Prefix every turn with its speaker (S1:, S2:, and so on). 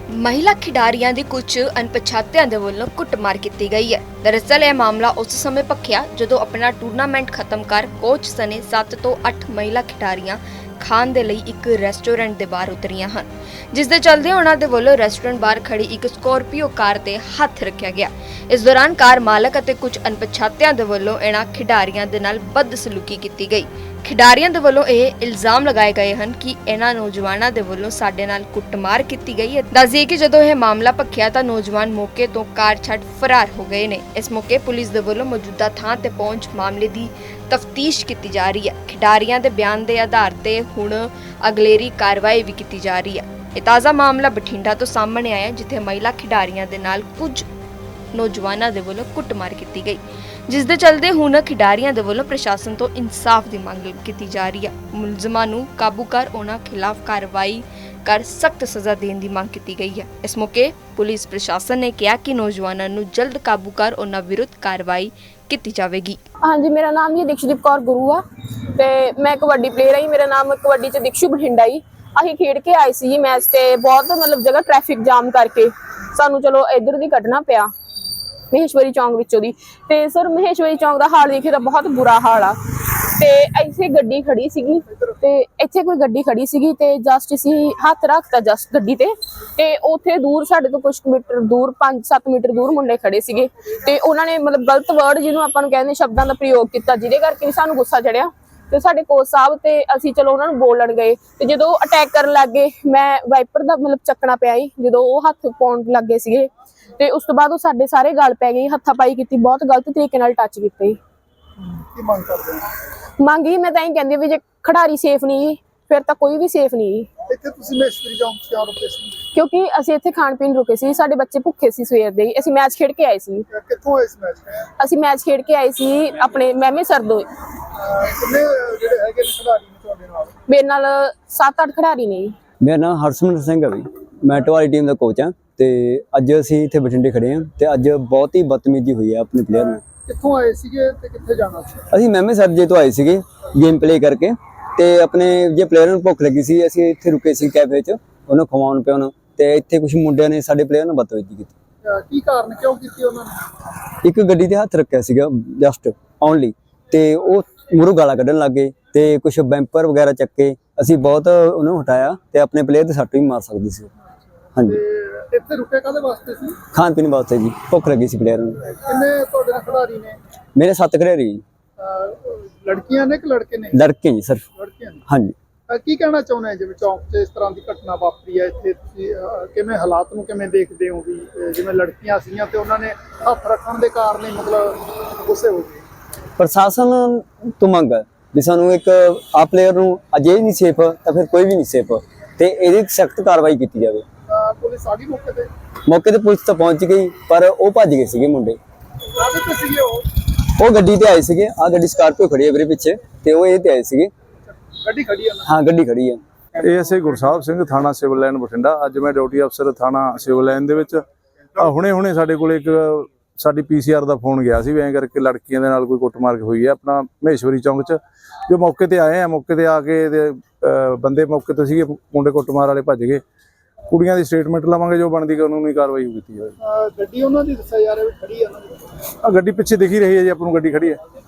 S1: महिला खिडारियां दी कुछ अनपछातियां दे वल्लों कुटमार की गई है। दरअसल यह मामला उस समय भखिया जदों अपना टूर्नामेंट खत्म कर कोच सने 7 ਤੋਂ 8 महिला खिडारियां खाण दे लई एक रेस्टोरेंट दे बाहर उतरियां हन, जिस दे चलदे उन्हां दे वल्लों रेस्टोरेंट बाहर खड़ी एक स्कॉर्पियो कार ते हथ रखिया गया। इस दौरान कार मालक अते कुछ अनपछातियां दे वल्लों इन्हां खिडारियां दे नाल बदसलूकी की गई। खिडारियां दे वल्लों यह इल्जाम लगाए गए हैं कि इन्हां नौजवानां दे वल्लों साडे नाल कुटमार की गई है। दस्सिए कि जदों यह मामला भखिया तां नौजवान मौके तो कार छड्ड फरार हो गए ने। इस मौके पुलिस दे वल्लों मौजूदा थां ते पहुंच मामले दी तफ्तीश की जा रही है। खिडारियां दे बयान दे आधार ते हुण अगलेरी कार्रवाई भी की जा रही है। यह ताज़ा मामला बठिंडा तो सामने आया जिथे महिला खिडारियां दे नाल कुछ नौजवानों दे वल्लों कुटमार की गई, जिस दे चलदे हुण खिडारियां दे वल्लों प्रशासन तो इंसाफ की मांग की जा रही है। मुलजमां नूं काबू कर उन्हां खिलाफ कार्रवाई कर सख्त सज़ा देने की मांग की गई है। इस मौके पुलिस प्रशासन ने कहा कि नौजवानों नूं जल्द काबू कर उन्हां विरुद्ध कार्रवाई की जाएगी।
S2: हाँ जी, मेरा नाम जी दिक्षदीप कौर गुरू आ ते मैं कबड्डी प्लेयर आई। मेरा नाम कबड्डी च दिक्षु बठिंडा ही। असीं खेड के आए सी मैच ते बहुत मतलब जगह ट्रैफिक जाम करके सानू चलो इधर दी कटना पिया महेश्वरी चौंक विचों दी। ते सर महेश्वरी चौंक दा हाल देखे तां बहुत बुरा हाल आ। ते इत्थे गड्डी खड़ी सीगी ते इत्थे कोई गड्डी खड़ी सीगी ते जस्ट असीं हत्थ रखता जस्ट गड्डी ते उत्थे दूर साडे तो कुछ मीटर दूर 5-7 मीटर दूर मुंडे खड़े सीगे ते उन्हां ने मतलब गलत वर्ड जिन्हों आपां नूं कहंदे शब्दां दा प्रयोग कीता, जिहदे करके भी सानू गुस्सा चढ़िया ते साडे कोच साहब ते असीं चलो उन्हां नूं बोलण गए ते जदों अटैक करन लग गए मैं वाइपर दा मतलब चकना पिया ही जदों ओह हत्थ पाउण लग गए सीगे ते उस तो बाद ओह साडे सारे गल पै गई, हत्थापाई कीती, बहुत गलत तरीके नाल टच कीते।
S3: की मंग करदे हो?
S2: मंग ही मैं तां ही कहंदी भी जे खिडारी सेफ नहीं फिर तां कोई भी सेफ नहीं।
S3: ਇੱਥੇ ਤੁਸੀਂ ਮਹੇਸ਼ਵਰੀ ਚੌਂਕ ਕਿਉਂ ਰੁਕੇ ਸੀ?
S2: क्योंकि ਅਸੀਂ ਇੱਥੇ ਖਾਣ ਪੀਣ ਰੁਕੇ ਸੀ, ਸਾਡੇ ਬੱਚੇ ਭੁੱਖੇ ਸੀ ਸਵੇਰ ਦੇ ਹੀ। ਅਸੀਂ ਮੈਚ ਖੇਡ ਕੇ ਆਏ ਸੀ।
S3: ਕਿੱਥੋਂ ਇਸ ਮੈਚ
S2: ਅਸੀਂ ਮੈਚ ਖੇਡ ਕੇ ਆਏ ਸੀ ਆਪਣੇ ਮਹਿਮੇ ਸਰਦੋ।
S3: ਕਿੰਨੇ ਜਿਹੜੇ ਹੈਗੇ ਨੇ ਖਿਡਾਰੀ ਨੇ ਤੁਹਾਡੇ ਨਾਲ?
S2: ਮੇਰੇ ਨਾਲ 7-8 ਖਿਡਾਰੀ ਨੇ ਜੀ।
S4: ਮੇਰਾ ਨਾਮ ਹਰਸਿਮਰਤ ਸਿੰਘ ਹੈ ਵੀ ਮੈਂ ਟਵਾਲੀ ਟੀਮ ਦਾ ਕੋਚ ਹਾਂ ਤੇ ਅੱਜ ਅਸੀਂ ਇੱਥੇ ਬਠਿੰਡੇ ਖੜੇ ਹਾਂ ਤੇ ਅੱਜ ਬਹੁਤ ਹੀ ਬਦਤਮੀਜ਼ੀ ਹੋਈ ਹੈ ਆਪਣੇ ਪਲੇਅਰ ਨਾਲ।
S3: ਕਿੱਥੋਂ ਆਏ ਸੀਗੇ ਤੇ ਕਿੱਥੇ ਜਾਣਾ ਸੀ?
S4: ਅਸੀਂ ਮਹਿਮੇ ਸਰਜੇ ਤੋਂ ਆਏ ਸੀਗੇ ਗੇਮ ਪਲੇ ਕਰਕੇ ਤੇ ਆਪਣੇ ਜੇ ਪਲੇਅਰ ਨੂੰ ਭੁੱਖ ਲੱਗੀ ਸੀ ਅਸੀਂ ਇੱਥੇ ਰੁਕੇ ਸੀ ਕੈਫੇ 'ਚ ਉਹਨੂੰ ਖਵਾਉਣ ਪਿਆਉਣ ਤੇ ਇੱਥੇ ਕੁਝ ਮੁੰਡਿਆਂ ਨੇ ਸਾਡੇ ਪਲੇਅਰ ਨਾਲ ਬਦਤਮੀਜ਼ੀ ਕੀਤੀ।
S3: ਕੀ ਕਾਰਨ ਕਿਉਂ ਕੀਤੀ ਉਹਨਾਂ ਨੇ?
S4: ਇੱਕ ਗੱਡੀ ਤੇ ਹੱਥ ਰੱਖਿਆ ਸੀਗਾ ਜਸਟ ਓਨਲੀ ਤੇ ਉਹ ਮੂਹਰੋਂ ਗਾਲਾਂ ਕੱਢਣ ਲੱਗ ਗਏ ਤੇ ਕੁਝ ਬੈਂਪਰ ਵਗੈਰਾ ਚੱਕੇ। ਅਸੀਂ ਬਹੁਤ ਉਹਨੂੰ ਹਟਾਇਆ ਤੇ ਆਪਣੇ ਪਲੇਅਰ ਦੇ ਸੱਟ ਵੀ ਮਾਰ ਸਕਦੀ ਸੀ। ਹਾਂਜੀ,
S3: ਇੱਥੇ ਰੁਕੇ ਕਾਹਦੇ ਵਾਸਤੇ ਸੀ?
S4: ਖਾਣ ਪੀਣ ਵਾਸਤੇ ਜੀ, ਭੁੱਖ ਲੱਗੀ ਸੀ ਪਲੇਅਰ ਨੂੰ।
S3: ਕਿੰਨੇ ਤੁਹਾਡੇ ਨਾਲ ਖਿਡਾਰੀ ਨੇ?
S4: ਮੇਰੇ 7 ਖਿਡਾਰੀ ਜੀ।
S3: ਲੜਕੀਆਂ ਨੇ ਕਿ ਲੜਕੇ ਨੇ?
S4: ਲੜਕੇ ਜੀ ਸਿਰਫ।
S3: ਲੜਕੀਆਂ ਨੇ।
S4: ਹਾਂਜੀ,
S3: ਕੀ ਕਹਿਣਾ ਚਾਹੁੰਦੇ ਜਿਵੇਂ ਚੌਂਕ 'ਚ ਇਸ ਤਰ੍ਹਾਂ ਦੀ ਘਟਨਾ ਵਾਪਰੀ ਹੈ ਇੱਥੇ ਤੁਸੀਂ ਕਿਵੇਂ ਹਾਲਾਤ ਨੂੰ ਕਿਵੇਂ ਦੇਖਦੇ ਹੋ ਵੀ ਜਿਵੇਂ ਲੜਕੀਆਂ ਸੀਗੀਆਂ ਤੇ ਉਹਨਾਂ ਨੇ ਹੱਥ ਰੱਖਣ ਦੇ ਕਾਰਨ ਹੀ ਮਤਲਬ ਗੁੱਸੇ ਹੋ ਗਏ?
S4: ਪ੍ਰਸ਼ਾਸਨ ਤੋਂ ਮੰਗ ਹੈ ਵੀ ਸਾਨੂੰ ਇੱਕ ਆ ਪਲੇਅਰ ਨੂੰ ਅਜੇ ਨਹੀਂ ਸੇਫ ਤਾਂ ਫਿਰ ਕੋਈ ਵੀ ਨਹੀਂ ਸੇਫ ਤੇ ਇਹਦੀ ਸਖਤ ਕਾਰਵਾਈ ਕੀਤੀ ਜਾਵੇ।
S3: ਪੁਲਿਸ ਆ ਗਈ ਮੌਕੇ ਤੇ?
S4: ਮੌਕੇ ਤੇ ਪੁਲਿਸ ਤਾਂ ਪਹੁੰਚ ਗਈ ਪਰ ਉਹ ਭੱਜ ਗਏ ਸੀਗੇ ਮੁੰਡੇ।
S3: ਕਾਹਦੇ ਤੇ ਸੀਗੇ
S4: ਉਹ ਗੱਡੀ ਤੇ ਆਏ ਸੀਗੇ। ਆ ਗੱਡੀ ਸਕਾਰਪੀਓ ਖੜੀ ਹੈ ਵੀਰੇ ਪਿੱਛੇ ਤੇ ਉਹ ਇਹ ਤੇ ਆਏ ਸੀਗੇ।
S3: ਗੱਡੀ ਖੜੀ ਆ?
S4: ਹਾਂ, ਗੱਡੀ ਖੜੀ ਹੈ।
S5: ਏਐਸਆਈ ਗੁਰਸਾਹਿਬ ਸਿੰਘ ਥਾਣਾ ਸਿਵਲ ਲਾਈਨ ਬਠਿੰਡਾ। ਅੱਜ ਮੈਂ ਡਿਊਟੀ ਅਫਸਰ ਥਾਣਾ ਸਿਵਲ ਲਾਈਨ ਦੇ ਵਿੱਚ ਹੁਣੇ ਸਾਡੇ ਕੋਲ ਇੱਕ ਸਾਡੀ ਪੀਸੀਆਰ ਦਾ ਫੋਨ ਗਿਆ ਸੀ ਵੀ ਐਂ ਕਰਕੇ ਲੜਕੀਆਂ ਦੇ ਨਾਲ ਕੋਈ ਕੁੱਟਮਾਰ ਹੋਈ ਹੈ ਆਪਣਾ ਮਹੇਸ਼ਵਰੀ ਚੌਂਕ 'ਚ। ਜੋ ਮੌਕੇ ਤੇ ਆਏ ਆ, ਮੌਕੇ ਤੇ ਆ ਕੇ ਬੰਦੇ ਮੌਕੇ ਤੋਂ ਸੀਗੇ, ਮੁੰਡੇ ਕੁੱਟਮਾਰ ਵਾਲੇ ਭੱਜ ਗਏ। ਕੁੜੀਆਂ ਦੀ ਸਟੇਟਮੈਂਟ ਲਵਾਂਗੇ, ਜੋ ਬਣਦੀ ਕਾਨੂੰਨੀ ਕਾਰਵਾਈ ਕੀਤੀ ਜਾਵੇ।
S3: ਗੱਡੀ ਉਹਨਾਂ ਦੀ ਦੱਸਿਆ ਜਾ ਰਿਹਾ ਵੀ ਖੜੀ ਆ ਉਹਨਾਂ ਦੀ?
S5: ਆ ਗੱਡੀ ਪਿੱਛੇ ਦਿਖੀ ਰਹੀ ਹੈ ਜੀ ਆਪਾਂ ਨੂੰ, ਗੱਡੀ ਖੜੀ ਹੈ।